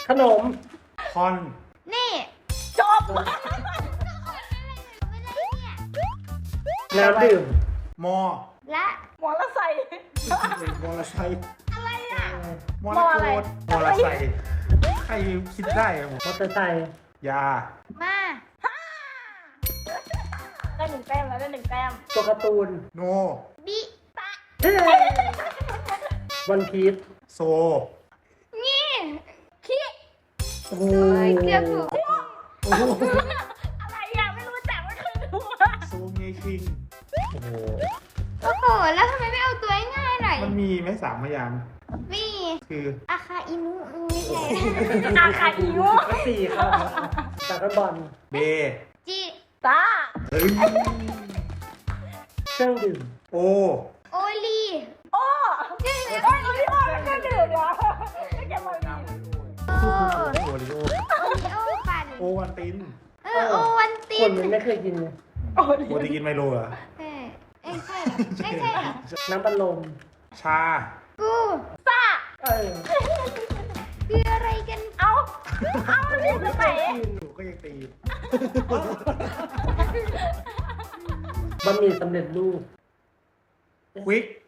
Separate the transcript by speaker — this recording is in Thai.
Speaker 1: ขนม
Speaker 2: คอน
Speaker 3: นี่
Speaker 4: จบ
Speaker 1: น้ำดื่ม
Speaker 2: มอ
Speaker 3: และ
Speaker 4: หมอละใส่
Speaker 2: มอลไซค์
Speaker 4: อะไรอ่ะ
Speaker 2: มอลโกดมอลไซค์ใครคิดได้อะผม
Speaker 1: มอเตอร์ไซค์
Speaker 2: ยา
Speaker 3: มา
Speaker 4: ได้หนึ่งแต้มแล้วได้หนึ่งแต้ม
Speaker 1: ตัวการ์ตูน
Speaker 2: โน
Speaker 3: บิตะ
Speaker 1: วันพีช
Speaker 2: โซ
Speaker 3: นี่ขี้
Speaker 2: โอ้โห
Speaker 3: เกือบถูก
Speaker 2: โอ้โห
Speaker 4: อะไรอ่ะไม่รู้จักไม่เคยดู
Speaker 2: โซเงคิงโอ้โห
Speaker 3: โอ้โหแล้วทำไมไม่เอาตัวง่ายๆหน่อย
Speaker 2: มันมีไหม3 พยางค์
Speaker 3: มี
Speaker 2: คือ
Speaker 3: อาคาอินุไม่ใช่
Speaker 4: อาคาอิว
Speaker 1: ก็สี่ครับจากกันบอล
Speaker 2: เบ
Speaker 3: จิ
Speaker 4: ตา
Speaker 2: เฮ้ย
Speaker 1: เครื่องดื่ม
Speaker 2: โอ
Speaker 3: โอลี
Speaker 4: โอ้โอ้ยโอริโอ้ไม่เคยดื่มเหรอไม่เก็บไว้ดี
Speaker 3: โอ
Speaker 2: โอริโอ
Speaker 3: โอริโอปั่น
Speaker 2: โอวันติน
Speaker 3: โอวันติ
Speaker 1: คน
Speaker 3: น
Speaker 1: มันไม่เคยกินเลย
Speaker 4: โอ้ย
Speaker 2: โอติกินไมโลเหรอ
Speaker 3: เอ้ยใช่เหรอไม่ใช่เหรอ
Speaker 1: น้ำบัลลม
Speaker 2: ชา
Speaker 3: กู
Speaker 4: ซ่า
Speaker 1: เออ
Speaker 3: คืออะไรกัน
Speaker 4: เอาที่ตรงไหน
Speaker 2: หนูก็ยังตี
Speaker 1: บะหมี่สำเร็จรูป
Speaker 2: ควิก